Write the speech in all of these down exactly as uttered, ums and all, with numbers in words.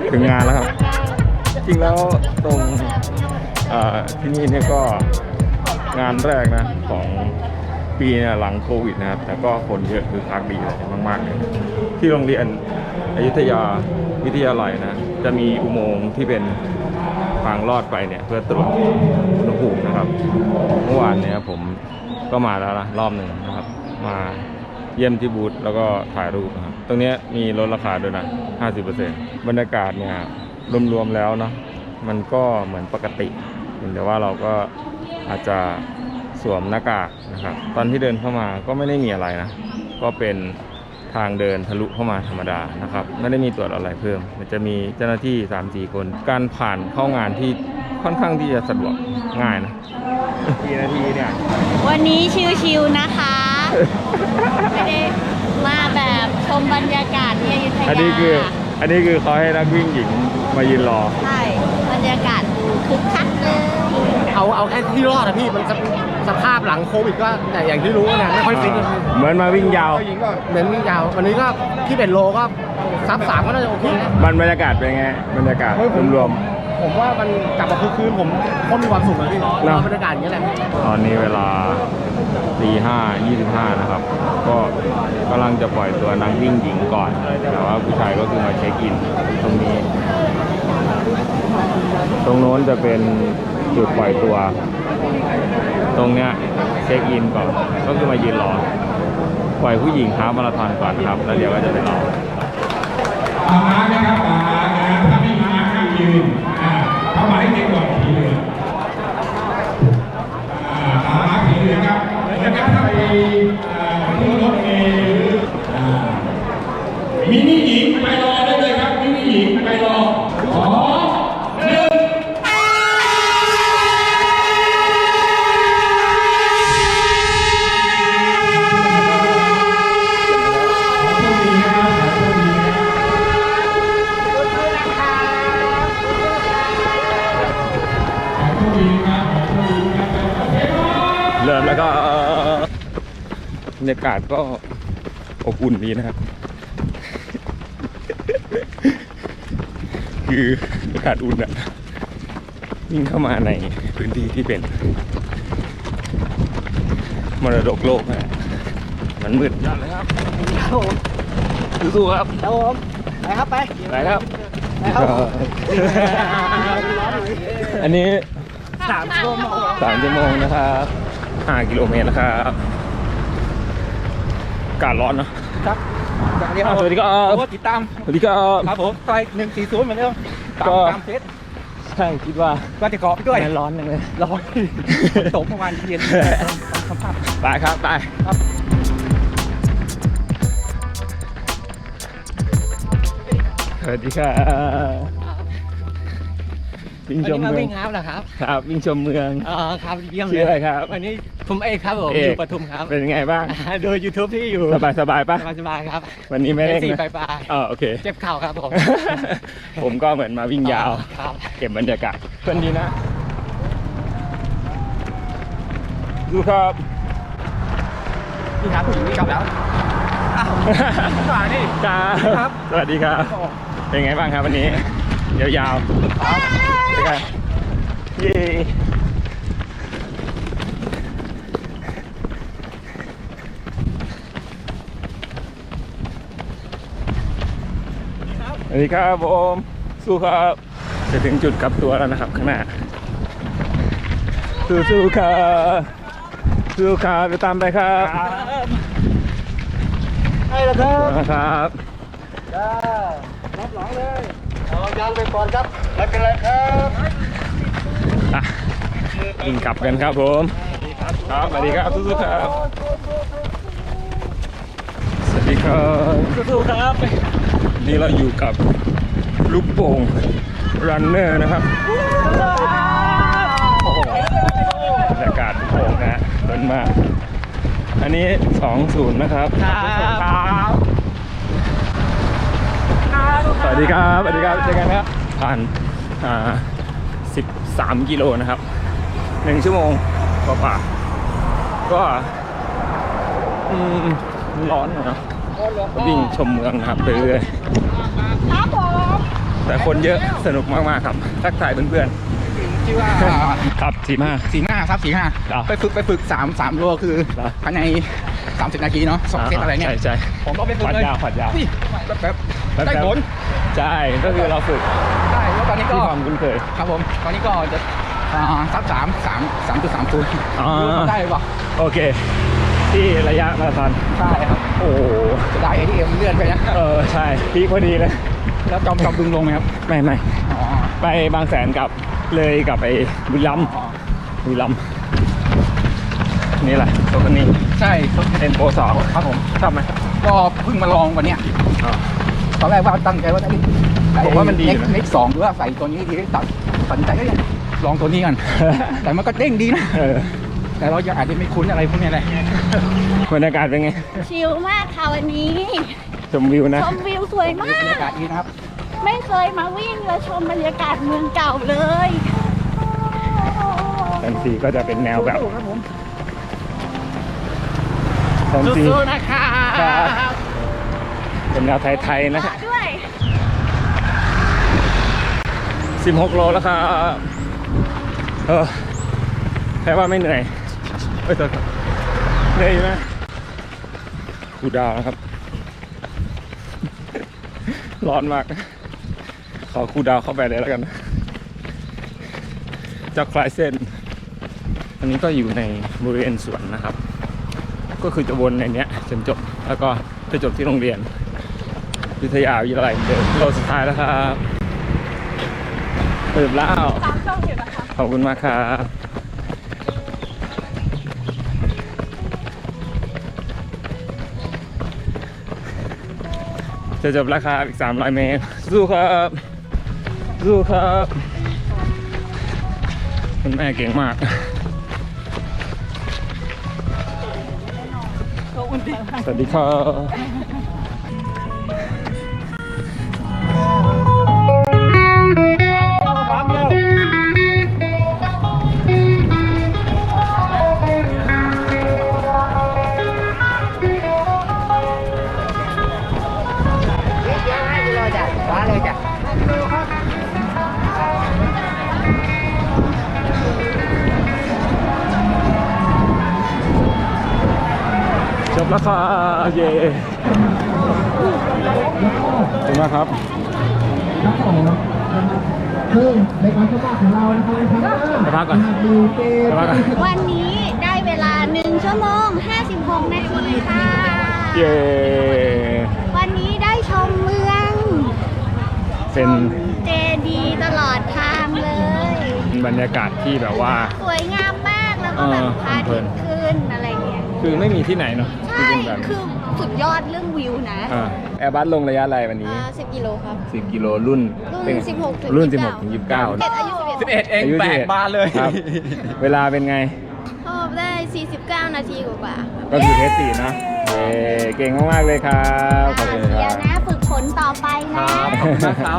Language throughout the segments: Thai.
ถึงงานแล้วครับจริงแล้วตรงที่นี่เนี่ยก็งานแรกนะของปีเนี่ยหลังโควิดนะครับแต่ก็คนเยอะคือคักดีเลยมากๆเลยที่โรงเรียนอยุธยาวิทยาลัยนะจะมีอุโมงค์ที่เป็นทางลอดไปเนี่ยเพื่อตรวจอุณหภูมินะครับเมื่อวานเนี่ยผมก็มาแล้วนะรอบหนึ่งนะครับมาเยี่ยมที่บูธแล้วก็ถ่ายรูปนะครับตรงนี้มีลดราคาด้วยนะ ห้าสิบเปอร์เซ็นต์ บรรยากาศเนี่ยรวมๆแล้วเนาะมันก็เหมือนปกติแต่ว่าเราก็อาจจะสวมหน้ากากนะครับตอนที่เดินเข้ามาก็ไม่ได้มีอะไรนะก็เป็นทางเดินทะลุเข้ามาธรรมดานะครับไม่ได้มีตรวจอะไรเพิ่มมันจะมีเจ้าหน้าที่ สามสี่ คนการผ่านเข้างานที่ค่อนข้างที่จะสะดวกง่ายนะกี่นาทีเนี่ยวันนี้ชิวๆนะคะไม่ได้มาแบบชมบรรยากาศที่อยุธยาอันนี้คืออันนี้คือเขาให้นักวิ่งหญิงมายืนรอใช่บรรยากาศดูคึกคักเลยเอาเอาแค่ที่รอดนะพี่มันสภาพหลังโควิดก็แต่อย่างที่รู้นะไม่ค่อยฟิตเหมือนมาวิ่งยาวเหมือนวิ่งยาววันนี้ก็ที่เป็นโลก็ซับสามก็น่าจะโอเคบรรยากาศเป็นไงบรรยากาศรวมๆผมว่ามันกลับมาคืนผมก็มีความสุขเลยพี่รอบรรยากาศอย่างนี้แหละตอนนี้เวลาตีห้ายี่สิบห้านะครับก็กำลังจะปล่อยตัวนักวิ่งหญิงก่อนแต่ว่าผู้ชายก็คือมาเช็คอินตรงนี้ตรงโน้นจะเป็นจุดปล่อยตัวตรงเนี้ยเช็คอินก่อนก็คือมายืนรอปล่อยผู้หญิงฮาล์ฟมาราธอนก่อนครับแล้วเดี๋ยวก็จะไปรอมาม้านะครับมาม้านะถ้าไม่ม้าห้ามยืนเข้ามาให้เด็กก่อนผีเหลืองมาม้าผีเหลืองครับแล้วก็ถ้าไปที่รถเมล์มินิหญิงไปรอได้เลยครับมินิหญิงไปรอขอเริ่มแล้วก็บรรยากาศก็อบอุ่นดีนะครับคืออากาศอุ่นอะยิ่งเข้ามาในพื้นที่ที่เป็นมรดกโลกนะมันมืดจัดเลยครับสู้ๆครับครับผมไปครับไปไปครับอันนี้สามชั่วโมงสามชั่วโมงนะครับห้ากิโลเมตรนะครับอากาศร้อนเนาะครับสวัสดีครับติดตามสวัสดีครับครับผมไปหนึ่งสี่ศูนย์เหมือนเดิมก็ตามเซตใช่คิดว่าก็จะเกาะไปด้วยร้อนจังเลยร้อนตกเมื่อวานเย็นไปครับไปครับสวัสดีครับวิ่งชมเมืองวิ่งครับนะครับครับวิ่งชมเมืองอ๋อครับเยี่ยมเลยชื่ออะไรครับวันนี้ผมเอกครับผมอยู่ปทุมครับเป็นไงบ้างโดย ยูทูบ ที่อยู่สบายสบายป่ะสบายสบายครับวันนี้ไม่เร่งนะไปอ๋อโอเคเจ็บเข่าครับผมผมก็เหมือนมาวิ่งยาวเก็บบรรยากาศเพื่อนดีนะดูครับนี่ครับผู้หญิงนี่กลับแล้วสวัสดีครับสวัสดีครับเป็นไงบ้างครับวันนี้ยาวๆครับเป็นไงเย้สวัสดีครับผมสู้ครับจะถึงจุดกลับตัวแล้วนะครับข้างหน้าสู้ๆครับสู้ครับไปตามไปครับให้แล้วครับครับจ้ารับหลังเลยเอายางไปก่อนครับไม่เป็นไรครับอ่ะกินกลับกันครับผมครับสวัสดีครับสู้ๆครับสวัสดีครับสู้ๆครับนี่เราอยู่กับลูกโป่งรันเนอร์นะครับบรรยากาศโป่งนะต้นมากอันนี้สองศูนย์นะครับสวัสดีครับสวัสดีครับเจอกันครับผ่านอ่าสิบสามกิโลนะครับหนึ่งชั่วโมงกว่าๆก็อืมร้อนนะวิ่งชมเมืองนะครับไปเรื่อยครับผมแต่คนเยอะสนุกมากๆครับทักทายเพื่อนชื่อว่าๆครับสี่ห้าสี่ห้าครับสี่ห้าเหรอไปฝึกไปฝึกสามสามโลคือเหรอภายในสามสิบนาทีเนาะสองเซตอะไรเนี่ยใช่ใช่ผมก็ไปฝึกขวัญเลยยาวขวัญยาวอุ้ยแบบแบบแป๊บๆได้ผลใช่ก็คือเราฝึกได้แล้วตอนนี้ก็ที่ความคุ้นเคยครับผมตอนนี้ก็จะอ่าซับสามสามสามจุดสามศูนย์อ๋อได้หรือเปล่าโอเค ที่ระยะมาราธอนใช่ครับโอ้โหจะได้ เอ ที เอ็ม เลื่อนไปนะเออใช่พีคพอดีเลยแล้วจอมจอมดึงลงไหมครับไม่ไม่อ๋อไปบางแสนกับเลยกับไอ้บุรีรัมย์อ๋อบุรีรัมย์นี่แหละตัวนี้ใช่เอ็นโปสองครับผมชอบไหมก็เพิ่งมาลองวันเนี้ยอ๋อตอนแรกว่าตั้งใจว่าจะผมว่ามันดีเน็กนะเน็กสองหรือว่าใส่ตัวนี้ดีตัดตัดสินใจก็ยังลองตัวนี้กัน แต่มันก็เด้งดีนะเออแต่เรายังอาจจะไม่คุ้นอะไรพวกนี้เลยบรรยากาศเป็นไงชิลมากค่ะวันนี้ชมวิวนะชมวิวสวยมาบรรกยากาศดีนะครับไม่เคยมาวิ่งและชมบรรยากาศเมืองเก่าเลยแฟนซีก็จะเป็นแนวแบบสู้ๆครับผมแฟนซีสู้ๆนะคะครับเป็นแนวไทยๆนะด้วยสิบหกโลแล้วครับเออแค่ว่าไม่เหนื่อยเอ้ยตัวครับเหนื่อยอยู่นะกูดาวนะครับ ร้อนมาก ขอคูลดาวน์เข้าไปเลยแล้วกันจากคลายเส้น อันนี้ก็อยู่ในบริเวณสวนนะครับ ก็คือจะวนในเนี้ยจนจบ แล้วก็จะจบที่โรงเรียนวิทยาวิทยาลัยเหมือนเดิมโลสุดท้ายแล้วครับเติมแล้วตามช่องอยู่นะคะขอบคุณมากครับจะจบแล้วครับอีกสามร้อยเมตรสู้ครับสู้ครับคุณแม่เก่งมากสวัสดีครับจบแล้วครับเย้ขอบคุณมากครับซึ่งในการเข้าบ้านของเรานะครับไปพักก่อนไปพักก่อนวันนี้ได้เวลาหนึ่งชั่วโมงห้าสิบหกนาทีค่ะเย้วันนี้ได้ชมเมืองเป็นเจดีย์ตลอดทางเลยบรรยากาศที่แบบว่าสวยงามมากแล้วก็แบบเออพระอาทิตย์ขึ้นอะไรเงี้ยคือไม่มีที่ไหนเนาะที่ใช่เป็นแบบคือสุดยอดเรื่องวิวนะอ่าแอร์บัสลงระยะอะไรวันนี้สิบกิโลครับสิบกิโลรุ่นรุ่นเป็นสิบหกถึงรุ่นยี่สิสิบบ หกเก้าถึงยี่สิบเก้าเด็กอายุสิบเอ็ดเองอายุแปสิบดเอ็ดบานเลยครับ เวลาเป็นไงชอบได้สี่สิบเก้านาทีกว่าก็คือเทสสี่นะเย้เก่งมากๆเลยครับขอบคุณคเดี๋รัยวบนะฝึกฝนต่อไปนะครับ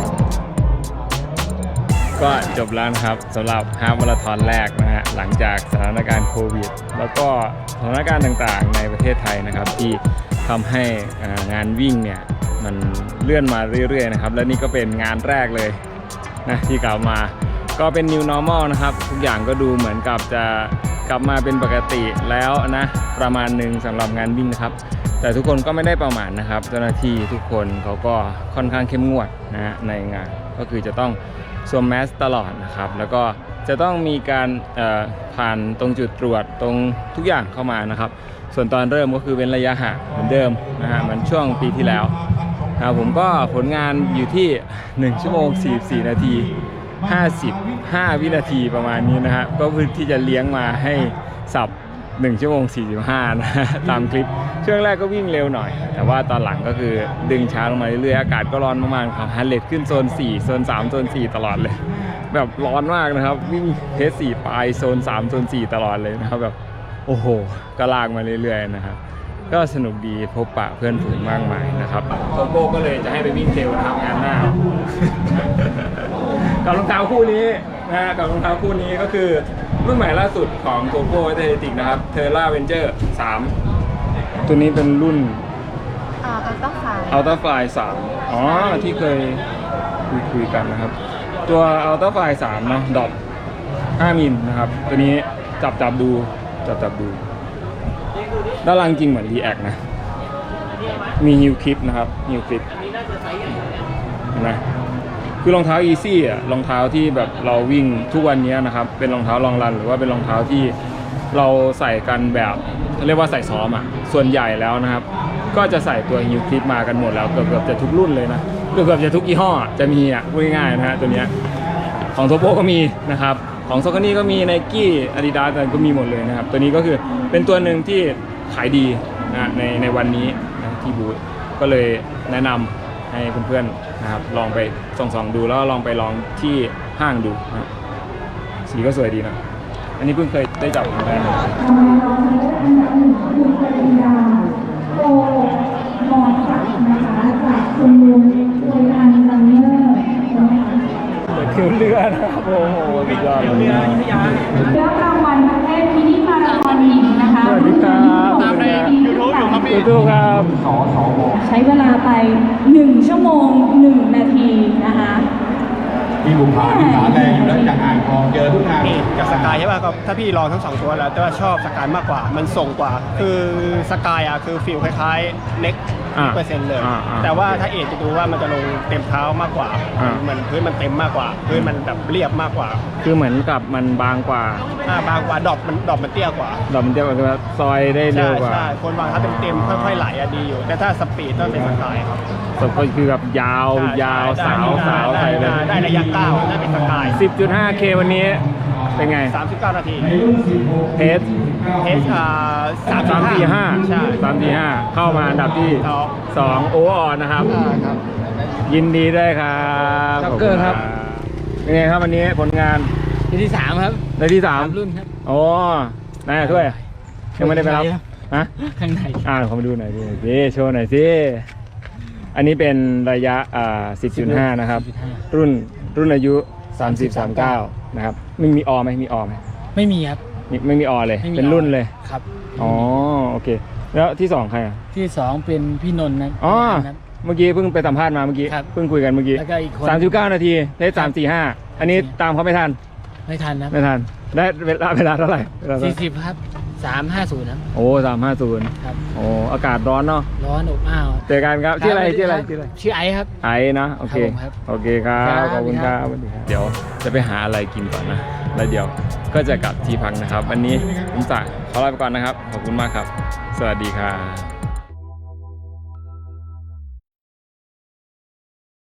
ก็จบแล้วนะครับสำหรับฮาล์ฟมาราธอนแรกนะฮะหลังจากสถานการณ์โควิด แล้วก็สถานการณ์ต่างๆในประเทศไทยนะครับที่ทำให้อ่างานวิ่งเนี่ยมันเลื่อนมาเรื่อยๆนะครับและนี่ก็เป็นงานแรกเลยนะที่กลับมาก็เป็น new normal นะครับทุกอย่างก็ดูเหมือนกับจะกลับมาเป็นปกติแล้วนะประมาณหนึ่งสำหรับงานวิ่งนะครับแต่ทุกคนก็ไม่ได้ประมาทนะครับเจ้าหน้าที่ทุกคนเขาก็ค่อนข้างเข้มงวดนะฮะในงานก็คือจะต้องสวมแมสตลอดนะครับแล้วก็จะต้องมีการเอ่อผ่านตรงจุดตรวจตรงทุกอย่างเข้ามานะครับส่วนตอนเริ่มก็คือเว้นระยะห่างเหมือนเดิมนะฮะเหมือนช่วงปีที่แล้วนะครับผมก็ผลงานอยู่ที่หนึ่งชั่วโมงสี่สิบสี่นาทีห้าสิบห้าวินาทีประมาณนี้นะฮะก็เพื่อที่จะเลี้ยงมาให้สับหนึ่งชั่วโมงสี่สิบห้านะฮะตามคลิปช่วงแรกก็วิ่งเร็วหน่อยแต่ว่าตอนหลังก็คือดึงช้าลงมาเรื่อยๆอากาศก็ร้อนมากๆครับฮันเลดขึ้นโซนสี่โซนสามโซนสี่ตลอดเลยแบบร้อนมากนะครับวิ่งเพสสี่ปลายโซนสามโซนสี่ตลอดเลยนะครับแบบโอ้โหก็ลากมาเรื่อยๆนะครับก็สนุกดีพบปะเพื่อนฝูงมากมายนะครับโกโก้ก็เลยจะให้ไปวิ่งเทรลนะครับงานหน้า กับรองเท้าคู่นี้นะฮะกับรองเท้าคู่นี้ก็คือรุ่นใหม่ล่าสุดของโกโก้เทเลติกนะครับเทอร่าเวนเจอร์สามตัวนี้เป็นรุ่นอ่าต้องฝ่ายอัลต้าไฟสามอ๋อที่เคยคุยคุยกันนะครับ ตัวอัลต้าไฟสามเนาะดอทห้ามิลนะครับตัวนี้จับจับดูจับจับดูด้านล่างจริงเหมือน React นะมีฮิลคลิปนะครับฮิลคลิปเห็นไหมคือรองเท้า Easy อ่ะรองเท้าที่แบบเราวิ่งทุกวันนี้นะครับเป็นรองเท้าลองรันหรือว่าเป็นรองเท้าที่เราใส่กันแบบเรียกว่าใส่ซ้อมอ่ะส่วนใหญ่แล้วนะครับก็จะใส่ตัวฮิลคลิปมากันหมดแล้วเกือบเกือบจะทุกรุ่นเลยนะเกือบเกือบจะทุกยี่ห้อจะมีอ่ะพูดง่ายๆนะฮะตัวเนี้ยของโทโปก็มีนะครับของซอกนี่ก็มี Nike Adidas อะไรก็มีหมดเลยนะครับตัวนี้ก็คือเป็นตัวหนึ่งที่ขายดีนะในในวันนี้นะที่บูธก็เลยแนะนำให้เพื่อนๆนะครับลองไปส่องๆดูแล้วลองไปลองที่ห้างดูนะสีก็สวยดีนะอันนี้เพิ่งเคยได้จับครั้งแรกเลยโอ้มอสักนะคะจากคุณลุงโดยทางลังเนอร์นะคะเปิดคิวเรือนะครับโอ้โหสุดยอดเลยนะรับรางวัลประเภทมินิมาราธอนหญิงนะคะสวัสดีครับตามใน YouTube อยู่ครับพี่ YouTube ครับใช้เวลาไปหนึ่งชั่วโมงหนึ่งนาทีนะคะพี่บุพาที่ขาแรงอยู่แล้วจากอ่างทองเจอทุกงานนี่กับสกายใช่ป่ะก็ถ้าพี่ลองทั้งสองตัวแล้วแต่ว่าชอบสกายมากกว่ามันส่งกว่า คือสกายอ่ะคือฟีลคล้ายๆเน็กอ่าเปอร์เซ็นต์เลยอ่าอ่าแต่ว่าถ้าเอจจะดูว่ามันจะลงเต็มเท้ามากกว่าอ่าเหมือนพื้นมันเต็มมากกว่า พื้นมันแบบเรียบมากกว่าคือเหมือนกับมันบางกว่าอ่าบางกว่าดรอปมันดรอปมันเตี้ยกว่าดอกมันเทียบกับว่าซอยได้เร็ใช่วกว่าใช่คนวางเท้าเต็มๆค่อยๆไหลอะดีอยู่ แต่ถ้าสปีดต้องเป็นสกายครับสก็คือแบบยาวใช่ยาวได้สาวได้สาวได้ใส่เลยได้ได้ระยะก้าวน่าเป็นสกายสิบจุดห้าเค วันนี้เป็นไงสามสิบเก้านาทีเพสเอสอ่าสามสามสี่ห้าใช่สามสี่ห้าเข้ามาอันดับที่สองสองโอเวอร์ออลนะครับอ่าครับยินดีด้วยครับจ็อกเกอร์ครับเป็นไงครับวันนี้ผลงานที่ที่สามครับในที่สามรุ่นครับโอ้นายช่วยยังไม่ได้ไปรับครับฮะข้างในอ่าขอมาดูหน่อยดิสิโชว์หน่อยสิอันนี้เป็นระยะอ่าสิบจุดห้านะครับ รุ่นรุ่นอายุสามสิบ สามสิบเก้านะครับไม่มีออไหมมีออไหมไม่มีครับมีไม่มีออเลยไม่มีเป็นรุ่นเลยครับอ๋อโอเค แล้วที่สองใครอ่ะที่สองเป็นพี่นนท์นะอ๋อครับเมื่อกี้เพิ่งไปสัมภาษณ์มาเมื่อกี้ครับเพิ่งคุยกันเมื่อกี้แล้วก็อีกคนสามสิบเก้านาทีได้สามสี่ห้าอันนี้ตามเขาไม่ทันไม่ทันนะไม่ทันได้เวลาเวลาเท่าไหร่เวลาเท่าสี่ไหร่สิบครับสามห้าศูนย์ครับโอ้สามห้าศูนย์ครับโอ้อากาศร้อนเนาะร้อนอบอ้าวเจอกันครับชื่ออะไรชื่ออะไรชื่ออะไรชื่อไอซ์ครับไอ้นะโอเคครับผมครับโอเคครับครับขอบคุณครับสวัสดีครับเดี๋ยวจะไปหาอะไรกินก่อนนะแล้วเดี๋ยวก็จะกลับที่พักนะครับวันนี้ผมสั่งขอลาไปก่อนนะครับขอบคุณมากครับ สวัสดีครับ